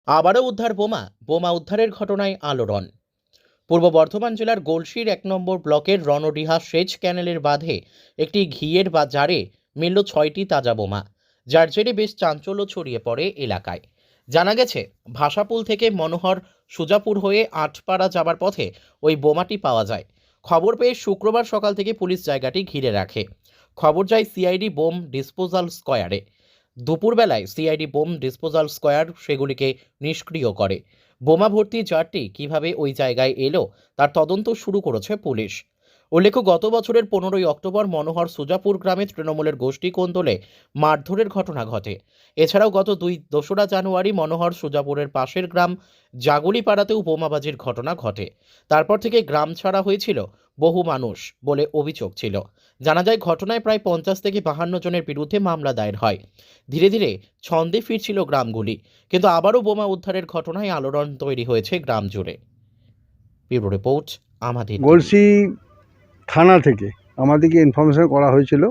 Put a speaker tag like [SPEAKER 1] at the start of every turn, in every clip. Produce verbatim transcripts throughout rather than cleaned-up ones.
[SPEAKER 1] আবারও উদ্ধার বোমা বোমা উদ্ধারের ঘটনায় আলোড়ন। পূর্ব বর্ধমান জেলার গলসির এক নম্বর ব্লকের রণডিহা সেচ ক্যানেলের বাঁধে একটি ঘিয়ের বা জারে মিলল ছয়টি তাজা বোমা, যার জেরে বেশ চাঞ্চল্য ছড়িয়ে পড়ে এলাকায়। জানা গেছে, ভাষাপুল থেকে মনোহর সুজাপুর হয়ে আটপাড়া যাবার পথে ওই বোমাটি পাওয়া যায়। খবর পেয়ে শুক্রবার সকাল থেকে পুলিশ জায়গাটি ঘিরে রাখে। খবর যায় সিআইডি বোম ডিসপোজাল স্কোয়ারে। দুপুরবেলায় সিআইডি বোম ডিসপোজাল স্কোয়ার সেগুলিকে নিষ্ক্রিয় করে। বোমা ভর্তি জারটি কিভাবে ওই জায়গায় এলো তার তদন্ত শুরু করেছে পুলিশ। উল্লেখ্য, গত বছরের পনেরোই অক্টোবর মনোহর সুজাপুর গ্রামে তৃণমূলের গোষ্ঠী কোন্দলে মারধরের ঘটনা ঘটে। এছাড়াও গত দুই দোসরা জানুয়ারি মনোহর সুজাপুরের পাশের গ্রাম জাগুলিপাড়াতেও বোমাবাজির ঘটনা ঘটে। তারপর থেকে গ্রাম ছাড়া হয়েছিল বহু মানুষ বলে অভিযোগ ছিল। জানা যায়, ঘটনায় প্রায় পঞ্চাশ থেকে বাহান্ন জনের বিরুদ্ধে মামলা দায়ের হয়। ধীরে ধীরে ছন্দে ফিরছিল গ্রামগুলি, কিন্তু আবারও বোমা উদ্ধারের ঘটনায় আলোড়ন তৈরি হয়েছে গ্রাম জুড়ে। ব্যুরো রিপোর্ট, আমাদের টিভি।
[SPEAKER 2] গলসি থানা থেকে আমাদেরকে ইনফরমেশন করা হয়েছিল।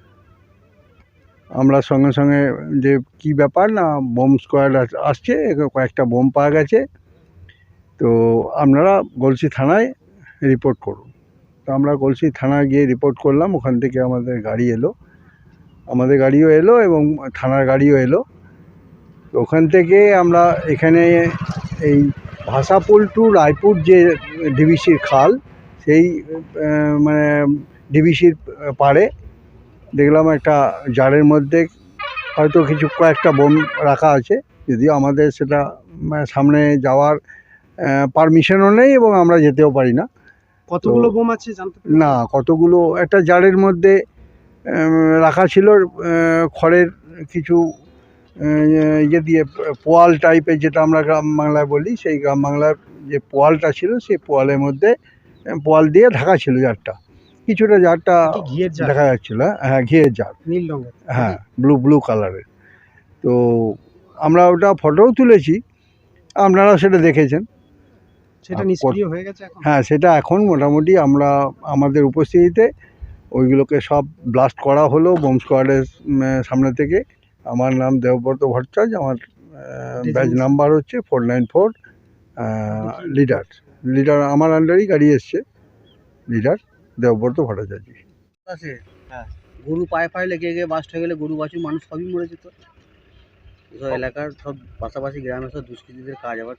[SPEAKER 2] আমরা সঙ্গে সঙ্গে যে কি ব্যাপার না বোম স্কোয়াড আসছে, কয়েকটা বোম পাওয়া গেছে, তো আপনারা গলসি থানায় রিপোর্ট করুন। তো আমরা গলসি থানায় গিয়ে রিপোর্ট করলাম। ওখান থেকে আমাদের গাড়ি এলো, আমাদের গাড়িও এলো এবং থানার গাড়িও এলো। তো ওখান থেকে আমরা এখানে এই ভাষাপুল টু রায়পুর যে ডিভিসির খাল, সেই আহ, মানে ডিভিসির পাড়ে দেখলাম একটা জারের মধ্যে হয়তো কিছু কয়েকটা বোম রাখা আছে, যদিও আমাদের সেটা মানে সামনে যাওয়ার পারমিশনও নেই এবং আমরা যেতেও পারি না।
[SPEAKER 3] কতগুলো বোম আছে জানতে পারি?
[SPEAKER 2] না, কতগুলো একটা জারের মধ্যে আহ, রাখা ছিল আহ, খড়ের কিছু আহ, ইয়ে দিয়ে পোয়াল টাইপের, যেটা আমরা গ্রাম বাংলায় বলি, সেই গ্রাম বাংলার যে পোয়ালটা ছিল সেই পোয়ালের মধ্যে আহ, পোয়াল দিয়ে ঢাকা ছিল জারটা। কিছুটা জারটা
[SPEAKER 3] কি ঘিয়ের জার?
[SPEAKER 2] দেখা যাচ্ছিল, হ্যাঁ ঘিয়ের জার,
[SPEAKER 3] নীল রঙের।
[SPEAKER 2] হ্যাঁ ব্লু ব্লু কালারের। তো আমরা ওটা ফটোও তুলেছি, আপনারা সেটা দেখেছেন।
[SPEAKER 3] সেটা
[SPEAKER 2] আর
[SPEAKER 3] নিষ্ক্রিয় হয়ে গেছে এখন?
[SPEAKER 2] হ্যাঁ, সেটা এখন মোটামুটি আমরা আমাদের উপস্থিতিতে ওইগুলোকে সব ব্লাস্ট করা হলো বোম স্কোয়াডের সামনে থেকে। আমার নাম দেবব্রত ভট্টাচার্য, আমার ব্যাচ নাম্বার হচ্ছে four nine four. Leader leader আমার আন্ডারই গাড়ি এসছে, লিডার দেবব্রত ভট্টাচার্য।
[SPEAKER 4] আছে, হ্যাঁ, গরু পায়ে পায়ে লেগে গিয়ে বাস্ট হয়ে গেলে গরু বাছুর মানুষ সবই মরে যেত। এসব এলাকার সব পাশাপাশি গ্রামের সব দুষ্কৃতীদের কাজ। আবার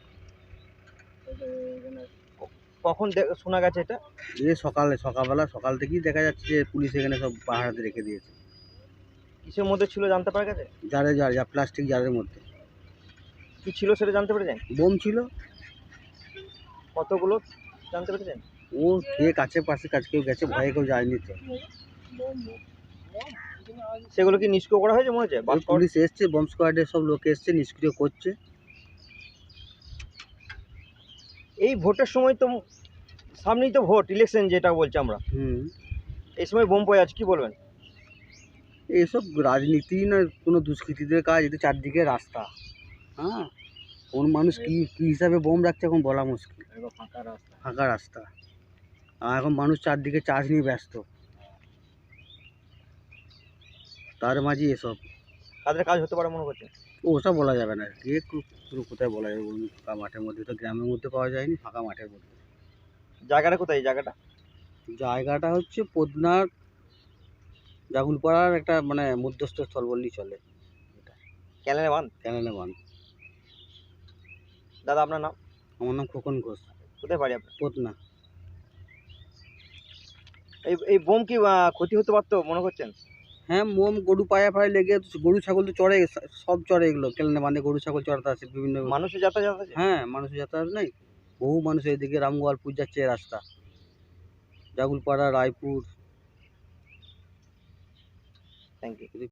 [SPEAKER 3] কখন শোনা গেছে এটা?
[SPEAKER 4] এই সকালে সকালবেলা সকাল থেকেই দেখা যাচ্ছে যে পুলিশ এখানে সব পাহারাতে রেখে দিয়েছে।
[SPEAKER 3] কিসের মধ্যে ছিল জানতে পারা গেছে?
[SPEAKER 4] জারে জার যা প্লাস্টিক জারের মধ্যে
[SPEAKER 3] কি ছিল সেটা জানতে পেরেছেন?
[SPEAKER 4] বোম ছিল।
[SPEAKER 3] কতগুলো জানতে পেরেছেন?
[SPEAKER 4] ও কে কাছে পাশে কাছে কেউ গেছে, ভয়ে কেউ যায়নি তো।
[SPEAKER 3] সেগুলো কি নিষ্ক্রিয় করা হয়েছে মনে হচ্ছে?
[SPEAKER 4] ওই পুলিশ এসছে, বোম স্কোয়াডের সব লোক এসছে, নিষ্ক্রিয় করছে।
[SPEAKER 3] এই ভোটের সময় তো সামনেই তো ভোট, ইলেকশন যেটা বলছি আমরা,
[SPEAKER 4] হুম,
[SPEAKER 3] এই সময় বোম পড়ে আছে, কি বলবেন?
[SPEAKER 4] এইসব রাজনীতি না কোনো দুষ্কৃতীদের কাজ। এটা চারদিকে রাস্তা, হ্যাঁ, কোন মানুষ কি কী হিসাবে বোম রাখছে এখন বলা মুশকিল।
[SPEAKER 3] ফাঁকা রাস্তা।
[SPEAKER 4] ফাঁকা রাস্তা, আর এখন মানুষ চারদিকে চার্জ নিয়ে ব্যস্ত, তার মাঝে এসব।
[SPEAKER 3] কাদের কাজ হতে পারে মনে করছেন?
[SPEAKER 4] ও ওসব বলা যাবে না, কে কো- পুরো কোথায় বলা যাবে বলুন? ফাঁকা মাঠের মধ্যে তো, গ্রামের মধ্যে পাওয়া যায়নি, ফাঁকা মাঠের মধ্যে।
[SPEAKER 3] জায়গাটা কোথায় এই জায়গাটা?
[SPEAKER 4] জায়গাটা হচ্ছে পদনার জাগুলপাড়ার একটা মানে মধ্যস্থ স্থল বললেই চলে।
[SPEAKER 3] ক্যানেলে বাঁধ।
[SPEAKER 4] ক্যানেলে বান।
[SPEAKER 3] দাদা আপনার নাম?
[SPEAKER 4] আমার নাম খোকন ঘোষ,
[SPEAKER 3] কোথায় বাড়ি আপনার?
[SPEAKER 4] পদনা।
[SPEAKER 3] এই এই বোম কি আহ, ক্ষতি হতে পারতো মনে করছেন?
[SPEAKER 4] হ্যাঁ, মোম গরু পায়ে পায়ে লেগে গরু ছাগল তো চড়ে, সব চড়ে এগুলো। ক্যানেলে বাঁধে গরু ছাগল চড়াতে আসে বিভিন্ন।
[SPEAKER 3] মানুষের যাতায়াত আছে?
[SPEAKER 4] হ্যাঁ, মানুষের যাতায়াত নেই, বহু মানুষ এদিকে রামগোয়ালপুর যাচ্ছে এই রাস্তা, জাগুলপাড়া রায়পুর।
[SPEAKER 3] Thank you.